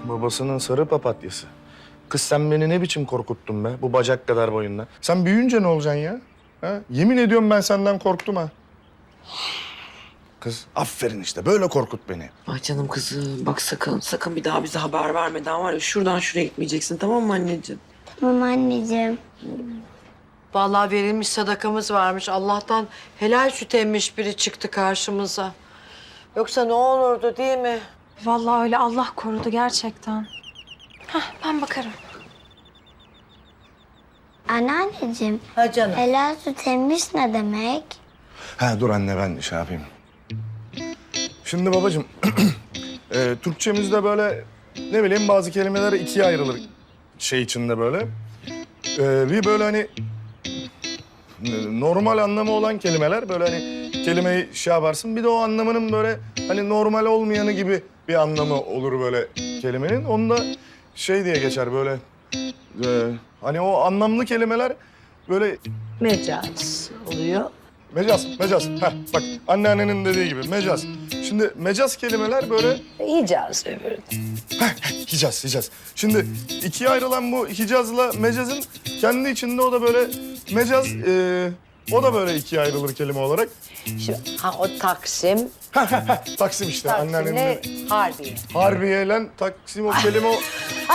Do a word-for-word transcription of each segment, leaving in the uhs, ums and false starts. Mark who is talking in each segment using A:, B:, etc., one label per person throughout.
A: Babasının sarı papatyası. Kız sen beni ne biçim korkuttun be bu bacak kadar boyunla. Sen büyüyünce ne olacaksın ya? Ha? Yemin ediyorum ben senden korktum ha. Kız aferin işte böyle korkut beni.
B: Ay canım kızım bak sakın sakın bir daha bize haber vermeden var ya şuradan şuraya gitmeyeceksin tamam mı anneciğim?
C: Tamam anneciğim.
D: Vallahi verilmiş sadakamız varmış. Allah'tan helal süt emmiş biri çıktı karşımıza. Yoksa ne olurdu değil mi?
E: Vallahi öyle Allah korudu gerçekten. Hah ben bakarım.
C: Anneanneciğim,
D: Ha canım.
C: helal süt emmiş ne demek?
A: Ha dur anne ben şey yapayım. Şimdi babacığım e, Türkçemizde böyle ne bileyim bazı kelimeler ikiye ayrılır şey içinde böyle. E, bir böyle hani e, normal anlamı olan kelimeler böyle hani kelimeyi şey yaparsın. Bir de o anlamının böyle hani normal olmayanı gibi bir anlamı olur böyle kelimenin. Onu da şey diye geçer böyle e, hani o anlamlı kelimeler böyle
D: Mecaz oluyor.
A: mecaz, mecaz. Heh, bak anneannenin dediği gibi mecaz. Şimdi mecaz kelimeler böyle
D: Hicaz öbürü.
A: Hicaz, Hicaz. Şimdi ikiye ayrılan bu Hicaz'la mecazın kendi içinde o da böyle mecaz, e, o da böyle ikiye ayrılır kelime olarak.
D: Şimdi ha o Taksim,
A: Taksim işte anneannenin.
D: Taksim'le Harbiye.
A: Harbiye'yle Taksim o kelime o.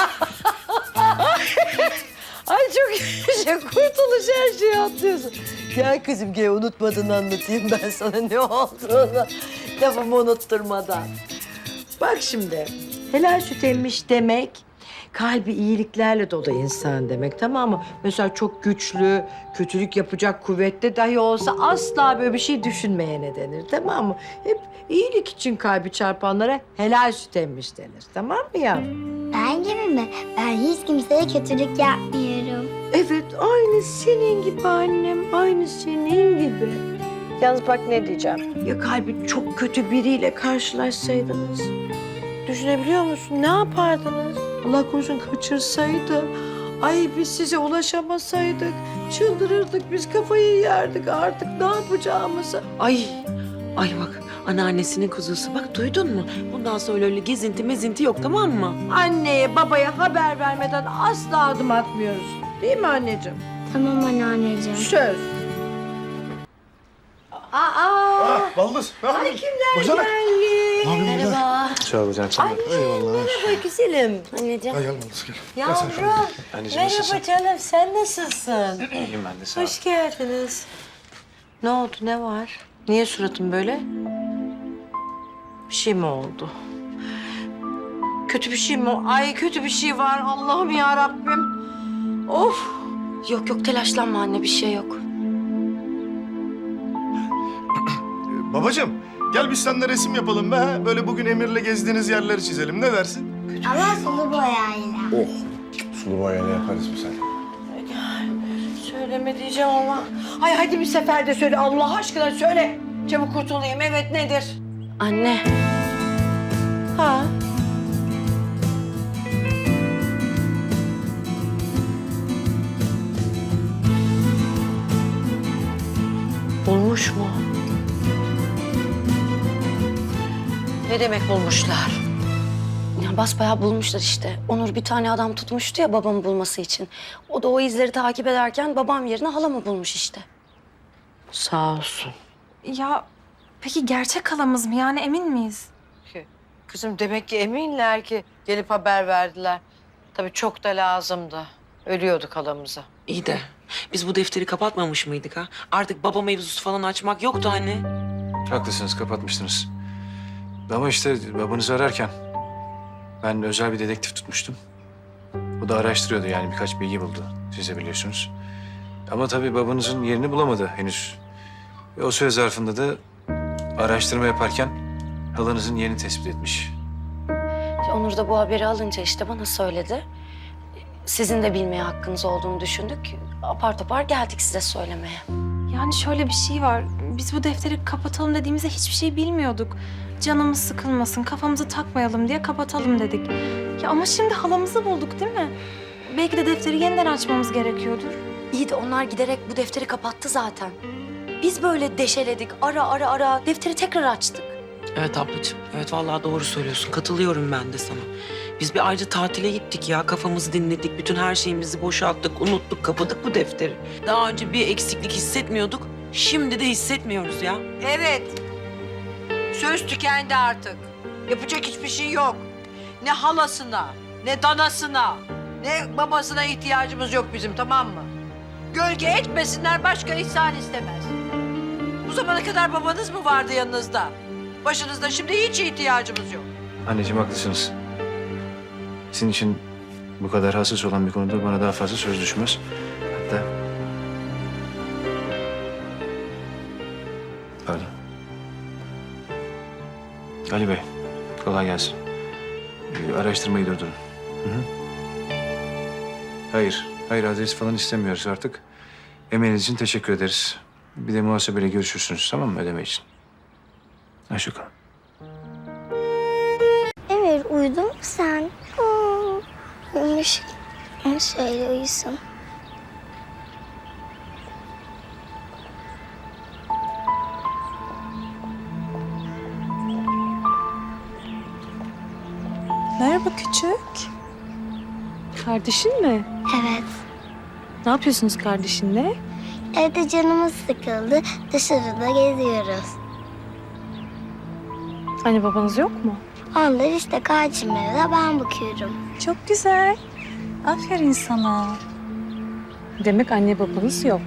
D: Ay çok şey kurtuluş her şeyi atlıyorsun. Gel kızım gel unutmadan anlatayım ben sana ne olduğunu. Lafımı unutturmadan. Bak şimdi helal süt emmiş demek kalbi iyiliklerle dolu insan demek tamam mı? Mesela çok güçlü, kötülük yapacak kuvvetli dahi olsa asla böyle bir şey düşünmeyene denir tamam mı? Hep iyilik için kalbi çarpanlara helal süt emmiş denir tamam mı yavrum?
C: Ben gibi mi? Ben hiç kimseye kötülük yapmıyorum.
D: Evet, aynı senin gibi annem, aynı senin gibi. Yalnız bak ne diyeceğim. Ya kalbi çok kötü biriyle karşılaşsaydınız, düşünebiliyor musun? Ne yapardınız? Allah korusun kaçırsaydı. Ay biz size ulaşamasaydık, çıldırırdık, biz kafayı yerdik artık ne yapacağımızı.
B: Ay ay bak anneannesinin kuzusu bak duydun mu? Bundan sonra öyle gezinti mezinti yok tamam mı?
D: Anneye babaya haber vermeden asla adım atmıyoruz. Değil mi anneciğim?
C: Tamam anneanneciğim.
D: Söz. Aa!
A: Ah, baldız. Ne
D: Ay
A: yapıyorsun?
D: kimler
A: Bacanak.
D: geldi?
A: Ne yapıyorsun?
D: Merhaba.
F: Sağ ol hocam.
D: Ay merhaba güzelim. Anneciğim.
A: Gel gel baldız gel.
D: Yavrum.
F: Anneciğim nasılsın?
D: Merhaba canım sen nasılsın?
F: İyiyim ben de sağ ol.
D: Hoş geldiniz. Ne oldu ne var? Niye suratın böyle? Bir şey mi oldu? Kötü bir şey mi? Ay kötü bir şey var Allah'ım ya Rabbim. Of.
G: Yok yok telaşlanma anne bir şey yok.
A: Babacığım gel biz seninle resim yapalım be. ha? Böyle bugün Emir'le gezdiğiniz yerleri çizelim. Ne dersin?
C: Ama sulu boyayla.
A: Oh. Sulu boyayla yaparız biz hadi.
D: Söyleme diyeceğim ama. Ay hadi bir seferde söyle Allah aşkına söyle. Çabuk kurtulayım evet nedir?
G: Anne
D: Ha? Bulmuş mu? Ne demek bulmuşlar?
G: ya basbayağı bulmuşlar işte. Onur bir tane adam tutmuştu ya babamı bulması için. O da o izleri takip ederken babam yerine halamı bulmuş işte.
D: Sağ olsun.
E: Ya peki gerçek halamız mı? Yani emin miyiz?
D: Kızım demek ki eminler ki gelip haber verdiler. Tabii çok da lazımdı. Ölüyorduk halamıza.
B: İyi de biz bu defteri kapatmamış mıydık ha? Artık baba mevzusu falan açmak yoktu anne.
F: Haklısınız kapatmıştınız. Ama işte babanızı ararken ben özel bir dedektif tutmuştum. O da araştırıyordu yani birkaç bilgi buldu. Siz de biliyorsunuz. Ama tabii babanızın yerini bulamadı henüz. Ve o süre zarfında da araştırma yaparken halanızın yerini tespit etmiş.
G: Onur da bu haberi alınca işte bana söyledi. Sizin de bilmeye hakkınız olduğunu düşündük. Apar topar geldik size söylemeye.
E: Yani şöyle bir şey var. Biz bu defteri kapatalım dediğimizde hiçbir şey bilmiyorduk. Canımız sıkılmasın, kafamızı takmayalım diye kapatalım dedik. Ya ama şimdi halamızı bulduk değil mi? Belki de defteri yeniden açmamız gerekiyordur.
G: İyi de onlar giderek bu defteri kapattı zaten. Biz böyle deşeledik, ara ara ara defteri tekrar açtık.
B: Evet ablacığım. Evet vallahi doğru söylüyorsun. Katılıyorum ben de sana. Biz bir ayrı tatile gittik ya. Kafamızı dinledik. Bütün her şeyimizi boşalttık. Unuttuk. Kapadık bu defteri. Daha önce bir eksiklik hissetmiyorduk. Şimdi de hissetmiyoruz ya.
D: Evet. Söz tükendi artık. Yapacak hiçbir şey yok. Ne halasına, ne danasına, ne babasına ihtiyacımız yok bizim, tamam mı? Gölge etmesinler, başka ihsan istemez. Bu zamana kadar babanız mı vardı yanınızda? Başınızda şimdi hiç ihtiyacımız yok.
F: Anneciğim haklısınız. Sizin için bu kadar hassas olan bir konuda bana daha fazla söz düşmez. Hatta... Pardon. Ali Bey, kolay gelsin. Ee, araştırmayı durdurun. Hı hı. Hayır, hayır adres falan istemiyoruz artık. Emeğiniz için teşekkür ederiz. Bir de muhasebeyle görüşürsünüz, tamam mı, ödeme için? Hoşça kalın.
C: Emir uyudun mu sen? Aa, uyumuş. Şöyle uyusun.
E: Merhaba küçük. Kardeşin mi?
C: Evet.
E: Ne yapıyorsunuz kardeşinle?
C: Evde canımız sıkıldı. Dışarıda geziyoruz.
E: Anne babanız yok mu?
C: Onlar işte kardeşimlere de ben bakıyorum.
E: Çok güzel. Aferin sana. Demek anne babanız yok.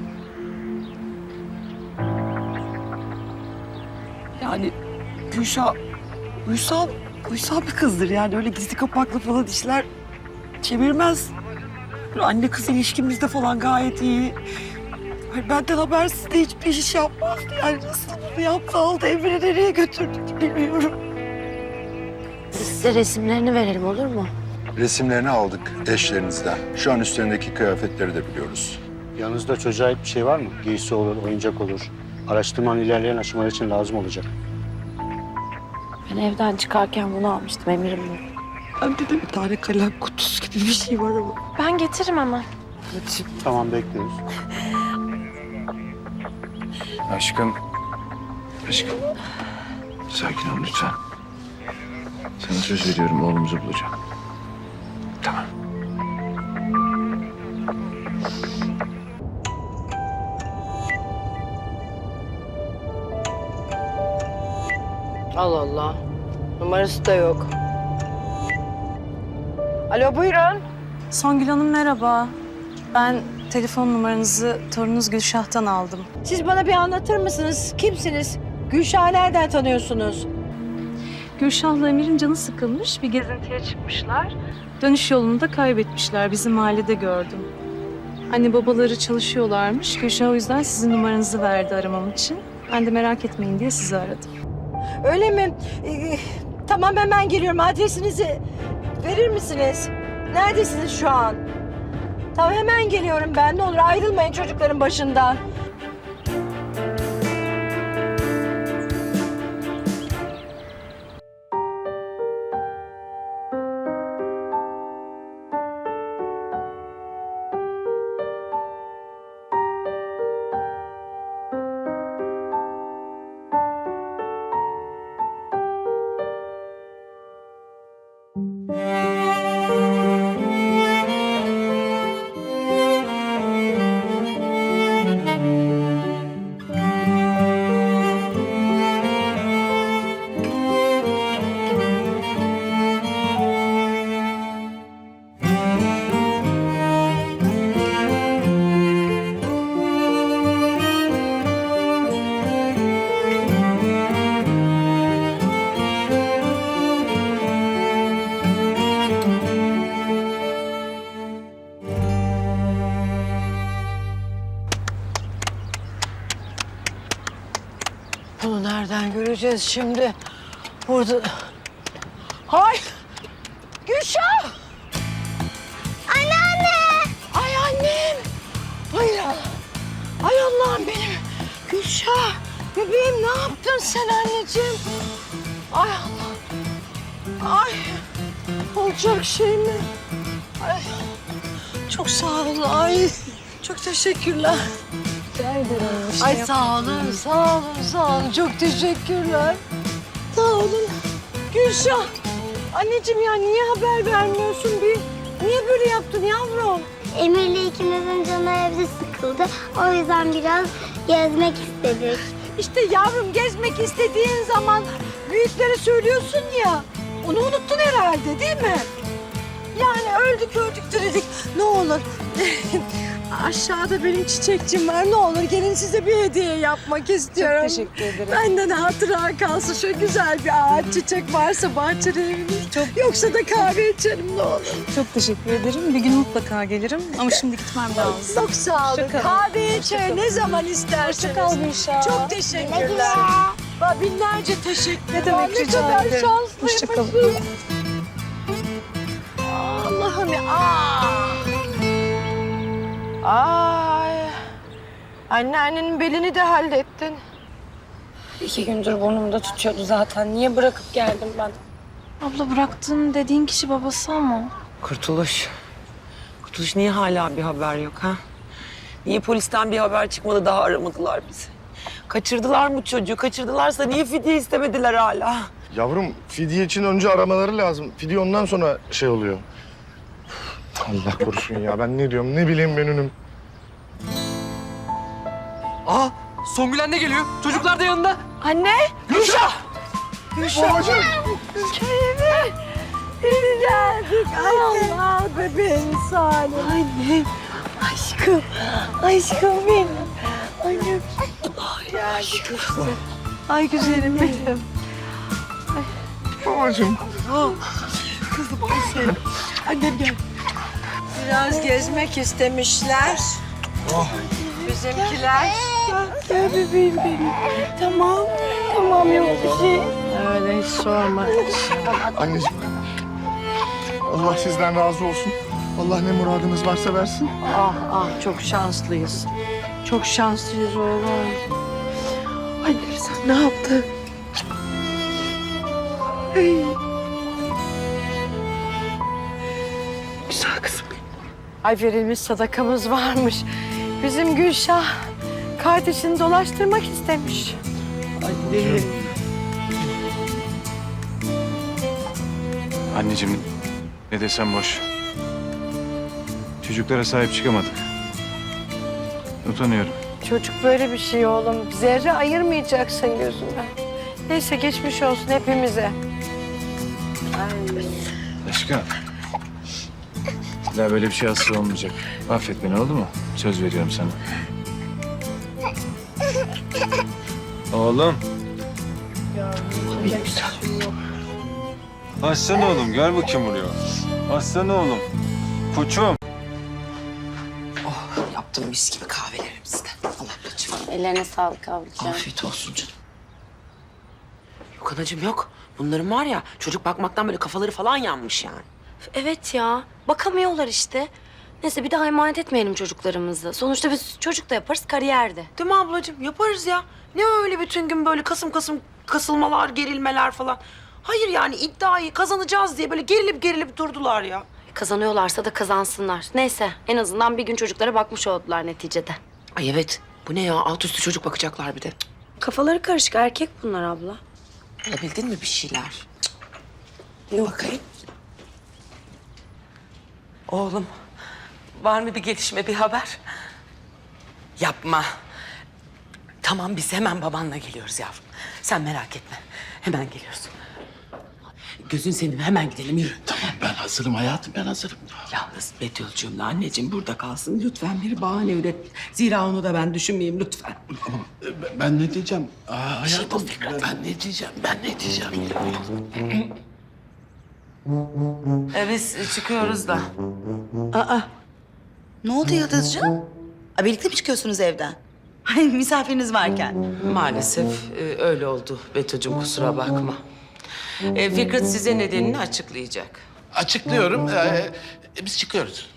B: Yani Gülşah uysal, uysal bir kızdır yani. Öyle gizli kapaklı falan işler çevirmez. Böyle anne kız ilişkimizde falan gayet iyi. Ay benden habersiz de hiçbir iş yapmazdı. Yani nasıl bunu yaptı, aldı Emir'i nereye götürdü bilmiyorum.
G: Size resimlerini verelim olur mu?
H: Resimlerini aldık eşlerinizden. Şu an üstlerindeki kıyafetleri de biliyoruz.
I: Yanınızda çocuğa ait bir şey var mı? Giysi olur, oyuncak olur. Araştırmanın ilerleyen aşamaları için lazım olacak.
G: Ben evden çıkarken bunu almıştım Emir'im bu.
B: Bende de bir tane kalem kutusu gibi bir şey var ama.
E: Ben getiririm hemen.
I: Tamam, bekliyoruz.
F: Aşkım, aşkım. Sakin ol lütfen. Sana söz veriyorum, oğlumuzu bulacağım. Tamam.
D: Allah Allah. Numarası da yok. Alo, buyurun.
E: Songül Hanım merhaba. Ben telefon numaranızı torununuz Gülşah'tan aldım.
D: Siz bana bir anlatır mısınız? Kimsiniz? Gülşah'ı nereden tanıyorsunuz?
E: Gülşah'la Emir'in canı sıkılmış, bir gezintiye çıkmışlar. Dönüş yolunu da kaybetmişler, bizim mahallede gördüm. Anne babaları çalışıyorlarmış, Gülşah o yüzden sizin numaranızı verdi aramam için. Ben de merak etmeyin diye sizi aradım.
D: Öyle mi? Ee, tamam, hemen geliyorum. Adresinizi verir misiniz? Neredesiniz şu an? Tamam, hemen geliyorum ben. Ne olur ayrılmayın çocukların başından. Bunu nereden göreceğiz şimdi? Burada... Hay! Gülşah!
C: Anneanne!
D: Ay annem! Ay ya! Ay Allah'ım benim! Gülşah! Bebeğim ne yaptın sen anneciğim? Ay Allah! Ay! Olacak şey mi? Ay! Çok sağ ol. Ay! Çok teşekkürler.
E: Rica ederim.
D: Ay sağ olun, sağ olun, sağ olun. Çok teşekkürler. Sağ olun. Gülşah. Anneciğim ya niye haber vermiyorsun bir? Niye böyle yaptın yavrum?
C: Emir'le ikimizin canı evde sıkıldı. O yüzden biraz gezmek istedik.
D: İşte yavrum gezmek istediğin zaman büyüklere söylüyorsun ya. Onu unuttun herhalde değil mi? Yani öldük öldük dedik. Ne olur aşağıda benim çiçekçim var. Ne olur gelin size bir hediye yapmak istiyorum.
B: Çok teşekkür ederim.
D: Benden hatıra kalsın. Şöyle güzel bir ağaç çiçek varsa bahçede eviniz. Çok... Yoksa da kahve içerim ne olur.
J: Çok teşekkür ederim. Bir gün mutlaka gelirim ama şimdi gitmem lazım.
D: Çok sağ olun. Kahve içe ne zaman isterseniz.
J: Hoşça kal Gülşah.
D: Çok
C: Güle
D: teşekkürler.
C: güle.
D: Bak binlerce teşekkür ederim.
J: Ne demek,
D: Ne
J: rica
D: kadar
J: ederim. Hoşça kalın.
D: şanslıymışım. Allah'ım ya. Aa. Ay. Anneannenin belini de hallettin.
G: İki gündür burnumda tutuyordu zaten. Niye bırakıp geldim ben?
E: Abla bıraktığın dediğin kişi babası ama.
B: Kurtuluş. Kurtuluş niye hala bir haber yok ha? Niye polisten bir haber çıkmadı daha aramadılar bizi? Kaçırdılar mı çocuğu? Kaçırdılarsa niye fidye istemediler hala?
A: Yavrum fidye için önce aramaları lazım. Fidye ondan sonra şey oluyor. Allah korusun ya ben ne diyorum ne bileyim ben önüm.
K: Aa, Songül anne geliyor. Çocuklar da yanında.
D: Anne.
A: Gülşah! Babacığım!
D: Köyüme. Biz geldik. Allah bebeğim Salim. Annem. Aşkım. Aşkım benim. Annem. Ay geldik işte. Ay güzelim benim.
A: Babacığım.
D: Kızım ay senin. Annem gel. Biraz gezmek istemişler. Bizimkiler. Gel bebeğim benim. Tamam. Tamam yok bir şey. Öyle hiç sorma.
A: Anneciğim. Allah sizden razı olsun. Allah ne muradınız varsa versin.
D: Ah ah çok şanslıyız. Çok şanslıyız oğlum. Annem sen ne yaptın? Hey. Güzel kızım benim. Ay verilmiş sadakamız varmış. Bizim Gülşah kardeşini dolaştırmak istemiş. Annem.
F: Anneciğim ne desem boş. Çocuklara sahip çıkamadık. Utanıyorum.
D: Çocuk böyle bir şey oğlum. Zerre ayırmayacaksın gözünden. Neyse geçmiş olsun hepimize.
F: Aşkım. Bir daha böyle bir şey asla olmayacak. Affet beni oldu mu? Söz veriyorum sana.
L: Oğlum. Aslan oğlum gel bakayım buraya. Aslan oğlum. Koçum.
B: Yaptım mis gibi kahvelerimizi de. Allah ablacığım.
G: Ellerine sağlık ablacığım.
B: Afiyet olsun canım. Yok anacığım yok. Bunların var ya çocuk bakmaktan böyle kafaları falan yanmış yani.
G: Evet ya. Bakamıyorlar işte. Neyse bir daha emanet etmeyelim çocuklarımızı. Sonuçta biz çocuk da yaparız kariyerde.
B: Değil mi ablacığım? Yaparız ya. Ne öyle bütün gün böyle kasım kasım kasılmalar, gerilmeler falan. Hayır yani iddiayı kazanacağız diye böyle gerilip gerilip durdular ya.
G: Kazanıyorlarsa da kazansınlar. Neyse en azından bir gün çocuklara bakmış oldular neticede.
B: Ay evet. Bu ne ya? Alt üstü çocuk bakacaklar bir de.
G: Kafaları karışık erkek bunlar abla.
B: Bulabildin mi bir şeyler? Bir bakayım. Oğlum, var mı bir gelişme, bir haber? Yapma. Tamam, biz hemen babanla geliyoruz yavrum. Sen merak etme. Hemen geliyoruz. Gözün senin, hemen gidelim, yürü.
M: Tamam ben hazırım hayatım ben hazırım.
B: Yalnız Betül'cüğümle anneciğim burada kalsın. Lütfen bir bahane üret. Zira onu da ben düşünmeyeyim lütfen.
M: Ama ben- ben ne diyeceğim? Aa,
B: Bir şey
M: hayatım
B: bul Fikret.
M: ben ne diyeceğim? Ben ne diyeceğim?
B: E, biz çıkıyoruz da.
N: Ne oldu Yıldızcığım? Aa, birlikte mi çıkıyorsunuz evden? Ay, misafiriniz varken.
B: Maalesef e, öyle oldu Betül'cüğüm kusura bakma. E, Fikret size nedenini açıklayacak.
M: Açıklıyorum. Ee, biz çıkıyoruz.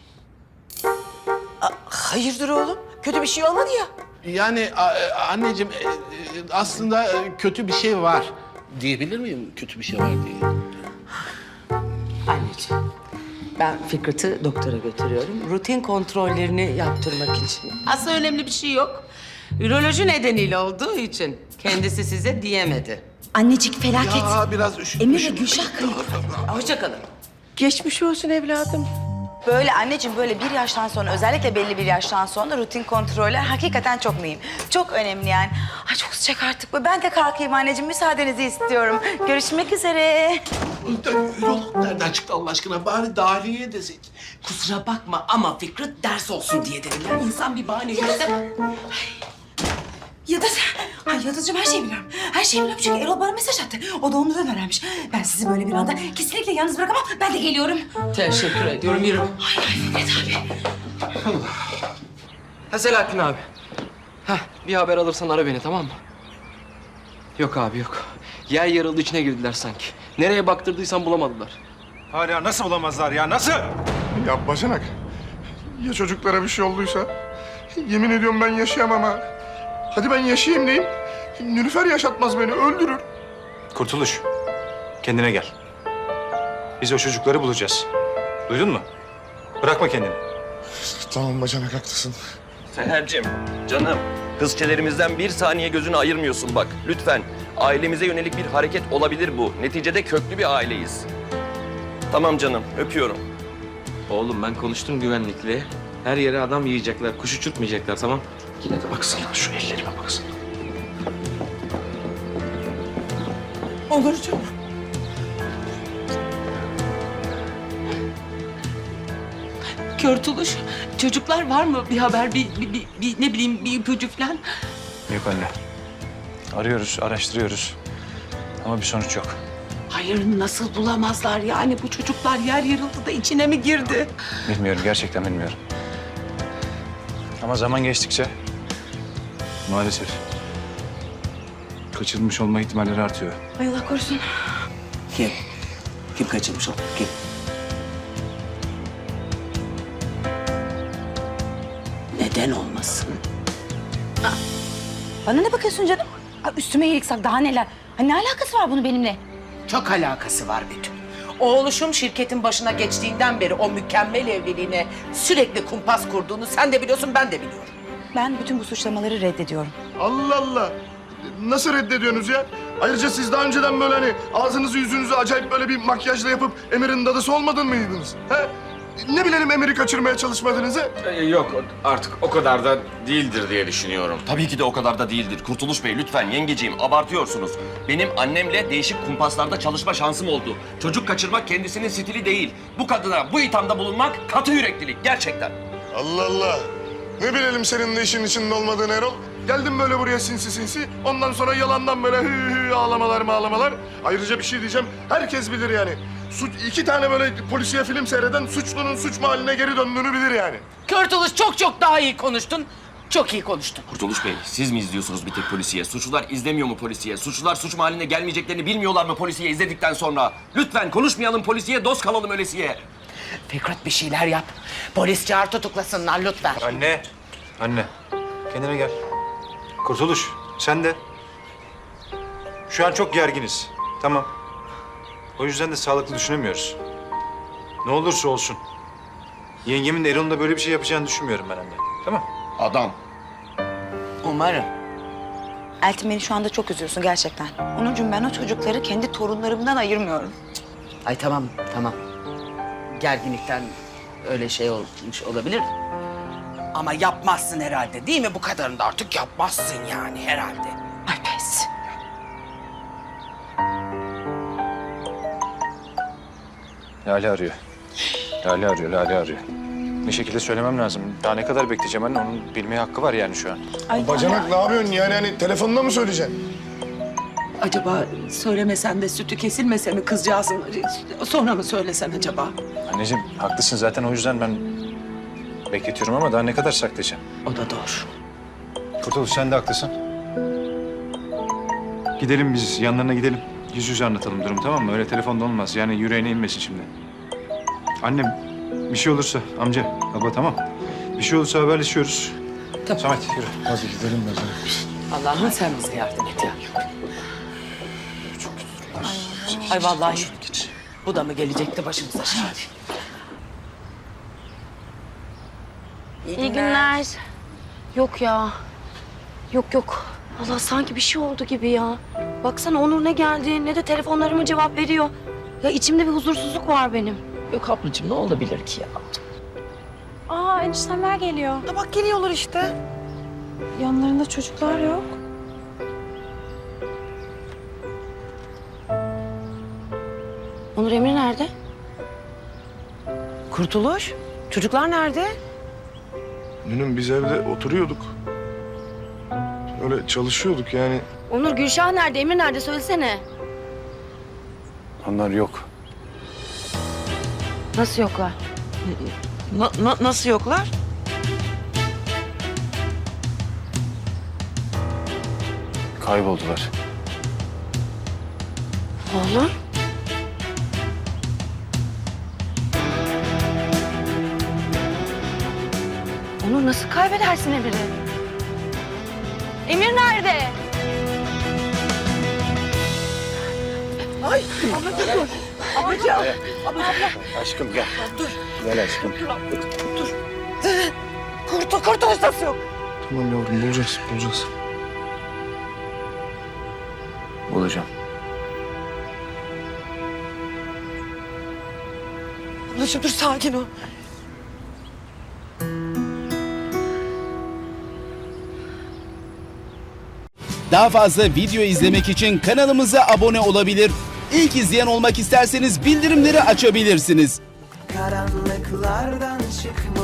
B: Hayırdır oğlum? Kötü bir şey olmadı ya.
M: Yani a- e, anneciğim e, e, aslında e, kötü bir şey var. Diyebilir miyim kötü bir şey var diye?
B: Anneciğim, ben Fikret'i doktora götürüyorum. Rutin kontrollerini yaptırmak için. Aslında önemli bir şey yok. Üroloji nedeniyle olduğu için kendisi size diyemedi.
N: Annecik felaket.
M: Ya biraz üşütmüşüm.
N: Emir ve Gülşah kayıp.
D: Hoşçakalın. Geçmiş olsun evladım.
N: Böyle anneciğim böyle bir yaştan sonra özellikle belli bir yaştan sonra rutin kontroller hakikaten çok mühim. Çok önemli yani. Ay çok sıcak artık bu. Ben de kalkayım anneciğim. Müsaadenizi istiyorum. Görüşmek üzere.
M: Ürolog nereden çıktı Allah aşkına? Bari dahiliyeye desek.
D: Kusura bakma ama Fikret ders olsun diye dedim. Yani insan bir bahane yürüse...
N: Yıldız. Ay Yıldız'cığım her şeyi biliyorum. Her şeyi biliyorum çünkü Erol bana mesaj attı. O da ondan öğrenmiş. Ben sizi böyle bir anda kesinlikle yalnız bırakamam. Ben de geliyorum.
K: Teşekkür ediyorum, yürü.
N: Ay ay Fikret abi.
K: Ha Selahattin abi. Heh, bir haber alırsan ara beni, tamam mı? Yok abi, yok. Yer yarıldı, içine girdiler sanki. Nereye baktırdıysan bulamadılar.
L: Hala nasıl bulamazlar ya, nasıl?
A: Ya bacanak, ya çocuklara bir şey olduysa? Yemin ediyorum ben yaşayamam ha. Hadi ben yaşayayım diyeyim. Nilüfer yaşatmaz beni, öldürür.
F: Kurtuluş, kendine gel. Biz o çocukları bulacağız. Duydun mu? Bırakma kendini.
A: Tamam bacanak, haklısın.
O: Seher'cim, canım. Kızçelerimizden bir saniye gözünü ayırmıyorsun bak. Lütfen. Ailemize yönelik bir hareket olabilir bu. Neticede köklü bir aileyiz. Tamam canım, öpüyorum.
K: Oğlum ben konuştum güvenlikle. Her yere adam yiyecekler, kuş uçurtmayacaklar, tamam?
F: Yine de baksana, şu ellerime baksana.
N: Olurcuğum.
D: Körtuluş, çocuklar var mı? Bir haber, bir, bir, bir, bir ne bileyim bir ipucu falan.
F: Yok anne. Arıyoruz, araştırıyoruz. Ama bir sonuç yok.
D: Hayır nasıl bulamazlar yani bu çocuklar yer yarıldı da içine mi girdi?
F: Bilmiyorum, gerçekten bilmiyorum. Ama zaman geçtikçe maalesef kaçırılmış olma ihtimalleri artıyor.
N: Ay Allah korusun.
D: Kim? Kim kaçırmış o? Kim? Neden olmasın?
N: Bana ne bakıyorsun canım? Ay, üstüme iyilik sak daha neler? Ay, ne alakası var bunun benimle?
D: Çok alakası var Betül. Oğluşum şirketin başına geçtiğinden beri o mükemmel evliliğine sürekli kumpas kurduğunu sen de biliyorsun, ben de biliyorum.
N: Ben bütün bu suçlamaları reddediyorum.
A: Allah Allah! Nasıl reddediyorsunuz ya? Ayrıca siz daha önceden böyle hani ağzınızı yüzünüzü acayip böyle bir makyajla yapıp Emir'in dadısı olmadın mıydınız? He? Ne bilelim Emir'i kaçırmaya çalışmadığınızı?
L: yok artık o kadar da değildir diye düşünüyorum.
O: Tabii ki de o kadar da değildir. Kurtuluş Bey lütfen yengeciğim abartıyorsunuz. Benim annemle değişik kumpaslarda çalışma şansım oldu. Çocuk kaçırmak kendisinin stili değil. Bu kadına bu ithamda bulunmak katı yüreklilik gerçekten.
A: Allah Allah! Ne bilelim senin de işin içinde olmadığını Erol. Geldim böyle buraya sinsi sinsi. Ondan sonra yalandan böyle hü hü ağlamalar mağlamalar. Ayrıca bir şey diyeceğim. Herkes bilir yani. Suç, iki tane böyle polisiye film seyreden suçlunun suç mahalline geri döndüğünü bilir yani.
D: Körtuluş çok çok daha iyi konuştun. Çok iyi konuştun.
O: Kurtuluş Bey siz mi izliyorsunuz bir tek polisiye? Suçlular izlemiyor mu polisiye? Suçlular suç mahalline gelmeyeceklerini bilmiyorlar mı polisiye izledikten sonra? Lütfen konuşmayalım polisiye, dost kalalım ölesiye.
D: Fikret bir şeyler yap. Polis çağır tutuklasınlar lütfen.
F: Anne, anne. Kendine gel. Kurtuluş, sen de. Şu an çok gerginiz. Tamam. O yüzden de sağlıklı düşünemiyoruz. Ne olursa olsun. Yengemin de Erol'un da böyle bir şey yapacağını düşünmüyorum ben anne. Tamam.
O: Adam.
D: Umarım.
N: Eltim beni şu anda çok üzüyorsun gerçekten. Onurcuğum ben o çocukları kendi torunlarımdan ayırmıyorum.
D: Ay tamam tamam. Gerginlikten öyle şey olmuş olabilir. Ama yapmazsın herhalde değil mi? Bu kadarını da artık yapmazsın yani herhalde.
N: Ay pes.
F: Lale arıyor. Lale arıyor, Lale arıyor. Bir şekilde söylemem lazım. Daha ne kadar bekleyeceğim anne? Onun bilmeye hakkı var yani şu an.
N: Ay,
A: Bacanak ne yapıyorsun yani hani telefonda mı söyleyeceksin?
D: Acaba söylemesen de sütü kesilmese mi kızcağızın? Sonra mı söylesen acaba?
F: Anneciğim haklısın zaten o yüzden ben bekletiyorum ama daha ne kadar saklayacağım?
D: O da doğru.
F: Kurtuluş sen de haklısın. Gidelim biz yanlarına gidelim. Yüz yüze anlatalım durumu tamam mı? Öyle telefonda olmaz. Yani yüreğine inmesin şimdi. Annem bir şey olursa amca, baba tamam. Bir şey olursa haberleşiyoruz.
D: Tamam.
F: Samet yürü.
A: Hadi gidelim bacanak biz.
D: Allah'ım sen bize yardım et ya. Ay vallahi bu da mı gelecekti başımıza şimdi?
C: İyi günler.
G: Yok ya. Yok yok. Allah sanki bir şey oldu gibi ya. Baksana Onur ne geldi ne de telefonlarıma cevap veriyor. Ya içimde bir huzursuzluk var benim.
B: Yok ablacığım ne olabilir ki ya?
E: Aa eniştemler geliyor.
B: Ha bak geliyorlar işte.
E: Yanlarında çocuklar yok.
G: Onur Emre nerede?
B: Kurtuluş, çocuklar nerede?
A: Dünün biz evde oturuyorduk. Öyle çalışıyorduk yani.
G: Onur Gülşah nerede? Emre nerede? Söylesene.
I: Onlar yok.
G: Nasıl yoklar?
B: Na- na- nasıl yoklar?
F: Kayboldular.
G: Oğlum. Onur nasıl kaybedersin Emir'i? Emir nerede?
B: Ay ablacığım dur. Ablacığım.
I: Aşkım gel. Dur. Gel aşkım.
B: Dur. Kurtul, kurtuluş nasıl yok?
A: Tamam yavrum bulacağız, bulacağız.
F: Bulacağım.
B: Ablacığım dur sakin ol.
P: Daha fazla video izlemek için kanalımıza abone olabilir. İlk izleyen olmak isterseniz bildirimleri açabilirsiniz.
Q: Karanlıklardan çıkma